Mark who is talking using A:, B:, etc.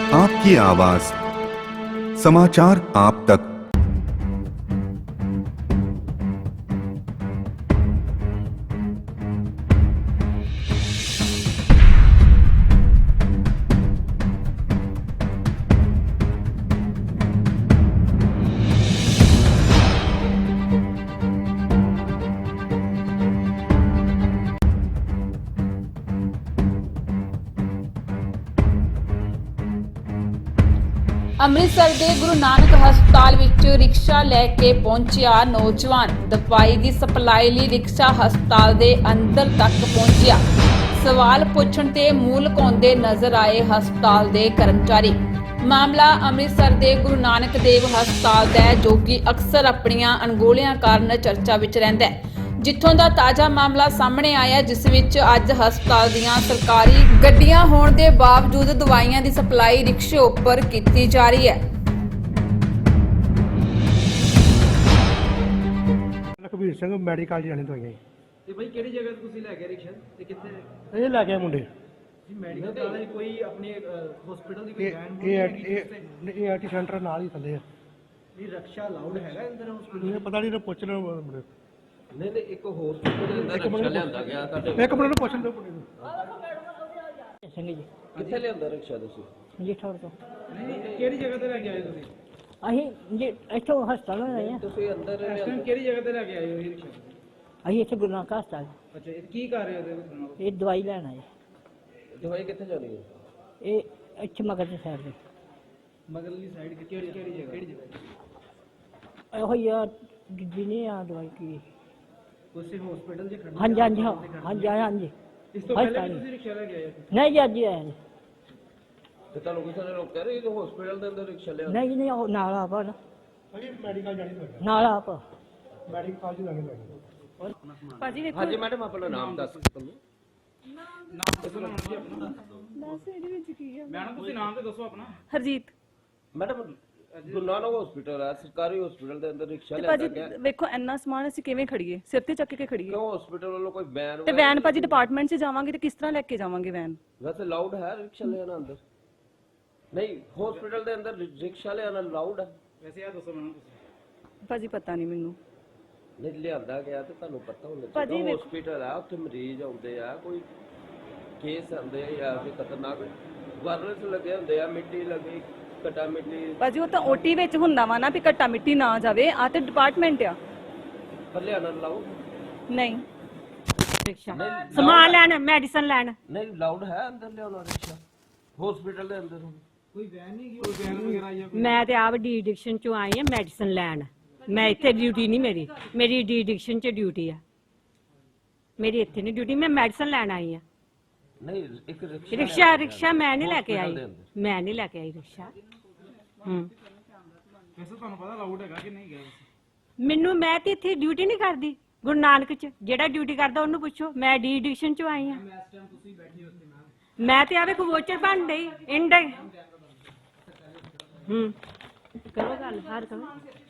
A: आपकी आवाज, समाचार आप तक।
B: ਅੰਮ੍ਰਿਤਸਰ ਦੇ ਗੁਰੂ ਨਾਨਕ ਹਸਪਤਾਲ ਵਿੱਚ ਰਿਕਸ਼ਾ ਲੈ ਕੇ ਪਹੁੰਚਿਆ ਨੌਜਵਾਨ ਦਵਾਈ ਦੀ ਸਪਲਾਈ ਲਈ ਰਿਕਸ਼ਾ ਹਸਪਤਾਲ ਦੇ ਅੰਦਰ ਤੱਕ ਪਹੁੰਚਿਆ। ਸਵਾਲ ਪੁੱਛਣ ਤੇ ਮੂੰਹ ਲੁਕਾਉਂਦੇ ਨਜ਼ਰ ਆਏ ਹਸਪਤਾਲ ਦੇ ਕਰਮਚਾਰੀ। ਮਾਮਲਾ ਅੰਮ੍ਰਿਤਸਰ ਦੇ ਗੁਰੂ ਨਾਨਕ ਦੇਵ ਹਸਪਤਾਲ ਦਾ ਹੈ, ਜੋ ਕਿ ਅਕਸਰ ਆਪਣੀਆਂ ਅਣਗੌਲਿਆਂ ਕਾਰਨ ਚਰਚਾ ਵਿੱਚ ਰਹਿੰਦਾ ਹੈ। ਜਿੱਥੋਂ ਦਾ ਤਾਜ਼ਾ ਮਾਮਲਾ ਸਾਹਮਣੇ ਆਇਆ, ਜਿਸ ਵਿੱਚ ਅੱਜ ਹਸਪਤਾਲ ਦੀਆਂ ਸਰਕਾਰੀ ਗੱਡੀਆਂ ਹੋਣ ਦੇ ਬਾਵਜੂਦ ਦਵਾਈਆਂ ਦੀ ਸਪਲਾਈ ਰਿਕਸ਼ੇ ਉੱਪਰ ਕੀਤੀ ਜਾ ਰਹੀ ਹੈ।
C: ਲਖਬੀਰ ਸਿੰਘ ਮੈਡੀਕਲ ਜਾਣੇ ਦਵਾਈਆਂ
D: ਤੇ ਭਾਈ ਕਿਹੜੀ ਜਗ੍ਹਾ ਤੇ ਤੁਸੀਂ ਲੈ ਗਏ ਰਿਕਸ਼ਾ ਤੇ ਕਿੱਥੇ
C: ਇਹ ਲੈ ਕੇ ਆਏ ਮੁੰਡੇ
D: ਜੀ ਮੈਡੀਕਲ ਵਾਲੇ ਕੋਈ ਆਪਣੇ ਹਸਪੀਟਲ ਦੀ ਕੋਈ
C: ਇਹ ਆਰਟੀ ਸੈਂਟਰ ਨਾਲ ਹੀ ਥੱਲੇ ਆ।
D: ਨਹੀਂ ਰਕਸ਼ਾ ਅਲਾਉਡ ਹੈਗਾ ਅੰਦਰ ਹਸਪੀਟਲ?
C: ਇਹ ਪਤਾ ਨਹੀਂ ਪੁੱਛ ਲਓ ਮੁੰਡੇ
E: ਨਹੀਂ ਨਹੀਂ ਇੱਕ ਹਸਪੀਟਲ ਦੇ ਅੰਦਰ ਰਿਕਸ਼ਾ ਲਿਆਂਦਾ ਗਿਆ ਤੁਹਾਡੇ
C: ਇੱਕ ਮਿੰਟ ਨੂੰ ਪੁੱਛਣ ਦਿਓ ਮੁੰਡੇ ਨੂੰ।
F: ਸਿੰਘ ਜੀ
E: ਕਿੱਥੇ ਲਿਆਂਦਾ ਰਿਕਸ਼ਾ ਤੁਸੀਂ?
F: ਜੀ ਠੌਰ ਤੋਂ
D: ਨਹੀਂ ਕਿਹੜੀ ਜਗ੍ਹਾ ਤੇ ਲੈ ਕੇ ਆਏ ਤੁਸੀਂ?
F: ਅਸੀਂ ਜੀ ਇੱਥੋਂ ਹਸਪਤਾਲ ਆਏ ਹਾਂ।
E: ਤੁਸੀਂ ਅੰਦਰ
D: ਇਸ ਟਾਈਮ ਕਿਹੜੀ ਜਗ੍ਹਾ ਤੇ ਲੈ ਕੇ ਆਏ ਹੋ ਇਹ ਰਿਕਸ਼ਾ?
F: ਅਸੀਂ ਇੱਥੇ ਗੁਰੂ ਨਾਨਕ ਹਸਪਤਾਲ
D: ਅੱਛਾ ਇਹ ਕੀ ਕਰ ਰਹੇ ਹੋ ਇਹਦੇ ਵਿੱਚ?
F: ਇਹ ਦਵਾਈ ਲੈਣ ਆਏ।
E: ਦਵਾਈ ਕਿੱਥੇ ਜਾਣੀ ਹੈ?
F: ਇਹ ਇੱਥੇ ਮਗਰ ਦੀ ਸਾਈਡ ਤੇ
D: ਮਗਰਲੀ ਸਾਈਡ ਕਿਹੜੀ ਜਗ੍ਹਾ?
F: ਇਹੋ ਹੀ ਆ ਜਿੱਦੀ ਨਹੀਂ ਆ ਦਵਾਈ ਕੀ।
D: ਤੁਸੀਂ ਹਸਪੀਟਲ 'ਚ ਖੜਨਾ?
F: ਹਾਂਜੀ ਹਾਂਜੀ ਹਾਂਜੀ ਹਾਂਜੀ।
D: ਇਸ ਤੋਂ ਪਹਿਲੇ ਵੀ ਤੁਸੀਂ ਰਿਕਸ਼ਾ ਲੈ ਕੇ ਆਏ ਸੀ?
F: ਨਹੀਂ ਜੀ ਅੱਜ ਹੀ ਆਏ ਜੀ।
E: ਤੇ ਤੁਹਾਨੂੰ ਕਿਸੇ ਨੇ ਰੋਕਿਆ ਨਹੀਂ ਕਿ ਹਸਪੀਟਲ ਦੇ ਅੰਦਰ ਰਿਕਸ਼ਾ ਲਿਆਂਦਾ?
F: ਨਹੀਂ ਨਹੀਂ ਉਹ ਨਾਲ ਆਪ ਆ ਨਾ।
C: ਭਾਜੀ ਮੈਡੀਕਲ ਜਾਣੀ ਦਵਾਈਆਂ
F: ਨਾਲ ਆਪ
C: ਮੈਡੀਕਲ ਜੀ ਜਾਣੀ ਦਵਾਈਆਂ।
G: ਭਾਜੀ ਵੇਖੋ
E: ਹਾਂਜੀ ਮੈਡਮ ਆਪਣਾ ਨਾਮ ਦੱਸ ਤੁਹਾਨੂੰ।
D: ਮੈਡਮ ਤੁਸੀਂ ਨਾਮ ਤੇ ਦੱਸੋ ਆਪਣਾ।
G: ਹਰਜੀਤ।
E: ਮੈਡਮ ਗੁਰੂ ਨਾਨਕ ਹਸਪੀਟਲ ਹੈ, ਸਰਕਾਰੀ ਹਸਪੀਟਲ ਦੇ ਅੰਦਰ ਰਿਕਸ਼ਾ
G: ਤੇ
E: ਲਿਆਂਦਾ
G: ਭਾਜੀ
E: ਗਿਆ।
G: ਵੇਖੋ ਇੰਨਾ ਸਮਾਨ ਅਸੀਂ ਕਿਵੇਂ ਖੜੀਏ, ਸਿਰ ਤੇ ਚੱਕ ਕੇ ਖੜੀਏ?
E: ਕਿਉਂ ਹਸਪੀਟਲ ਵੱਲੋਂ ਕੋਈ ਬੈਨ
G: ਤੇ ਵੈਨ ਭਾਜੀ ਡਿਪਾਰਟਮੈਂਟ 'ਚ ਜਾਵਾਂਗੇ ਤੇ ਕਿਸ ਤਰ੍ਹਾਂ ਲੈ ਕੇ ਜਾਵਾਂਗੇ ਵੈਨ?
E: ਵੈਸੇ ਲਾਊਡ ਹੈ ਰਿਕਸ਼ਾ ਲਿਆਣਾ ਅੰਦਰ? ਨਹੀਂ ਹਸਪੀਟਲ ਦੇ ਅੰਦਰ ਰਿਕਸ਼ਾ ਲਿਆਣਾ ਲਾਊਡ ਹੈ?
D: ਵੈਸੇ ਇਹ ਦੱਸੋ ਮੈਡਮ ਤੁਸੀਂ।
G: ਭਾਜੀ ਪਤਾ ਨਹੀਂ ਮੈਨੂੰ।
E: ਨਹੀਂ ਲਿਆਂਦਾ ਗਿਆ ਤੇ ਤੁਹਾਨੂੰ ਪਤਾ ਹੋਣਾ
G: ਭਾਜੀ
E: ਚਾਹੀਦਾ।
G: ਵੇਖੋ-
E: ਹਸਪੀਟਲ ਆ, ਉੱਥੇ ਮਰੀਜ਼ ਆਉਂਦੇ ਆ, ਕੋਈ ਕੇਸ ਆਉਂਦੇ ਆ ਜਾਂ ਕੋਈ ਖਤਰਨਾਕ ਵਾਇਰਸ ਲੱਗੇ ਹੁੰਦੇ ਆ, ਮਿੱਟੀ ਲੱਗੀ, ਕਟਾ ਮਿੱਟੀ।
G: ਭਾਜੀ ਉਹ ਤਾਂ ਓਟੀ ਵਿੱਚ ਹੁੰਦਾ ਵਾ ਨਾ ਵੀ ਘੱਟਾ ਮਿੱਟੀ ਨਾ ਜਾਵੇ। ਆ ਤੇ ਡਿਪਾਰਟਮੈਂਟ ਆ।
E: ਪਰ ਲਿਆਣਾ ਲਾਊਡ
G: ਨਹੀਂ
F: ਰਿਕਸ਼ਾ
E: ਸਮਾਨ
F: ਲੈਣ ਮੈਡੀਸਨ ਲੈਣ
E: ਨਹੀਂ ਲਾਊਡ ਹੈ ਅੰਦਰ ਲਿਆਉਣਾ ਰਿਕਸ਼ਾ ਹਸਪੀਟਲ ਦੇ ਅੰਦਰ?
D: ਕੋਈ ਵੈਨ ਨਹੀਂ ਗਈ? ਕੋਈ ਵੈਨ ਵਗੈਰਾ ਜਾਂ
F: ਮੈਂ ਤੇ ਆਪ ਡੀ ਐਡਿਕਸ਼ਨ ਚੋਂ ਆਈ ਹਾਂ ਮੈਡੀਸਨ ਲੈਣ। ਮੈਂ ਇੱਥੇ ਡਿਊਟੀ ਨਹੀਂ ਮੇਰੀ ਡੀ ਐਡਿਕਸ਼ਨ ਚ ਡਿਊਟੀ ਆ। ਮੇਰੀ ਇੱਥੇ ਨਹੀਂ ਡਿਊਟੀ, ਮੈਂ ਮੈਡੀਸਨ ਲੈਣ ਆਈ ਹਾਂ।
E: ਨਹੀਂ ਇੱਕ
F: ਰਿਕਸ਼ਾ ਮੈਂ ਨਹੀਂ ਲੈ ਕੇ ਆਈ। ਮੈਂ ਨਹੀਂ ਲੈ ਕੇ ਆਈ ਰਿਕਸ਼ਾ।
D: ਵੈਸੇ ਤੁਹਾਨੂੰ ਪਤਾ ਅਲਾਉਡ ਹੈਗਾ ਕਿ ਨਹੀਂ ਗਿਆ?
F: ਮੈਂ ਤੇ ਇੱਥੇ ਡਿਊਟੀ ਨਹੀਂ ਕਰਦੀ ਗੁਰੂ ਨਾਨਕ ਚ। ਜਿਹੜਾ ਡਿਊਟੀ ਕਰਦਾ ਉਹਨੂੰ ਪੁੱਛੋ। ਮੈਂ ਡੀ ਐਡਿਕਸ਼ਨ ਚ ਆਈ ਹਾਂ।
D: ਇਸ ਟਾਈਮ ਤੁਸੀਂ ਬੈਠੇ ਹੋ ਉੱਥੇ
F: ਮੈਂ ਤੇ ਆਵੇ ਵੋਚਰ ਬਣ ਗਈ ਇੰਡ। ਕਰੋ ਗੱਲ ਹਰ ਕਰੋ।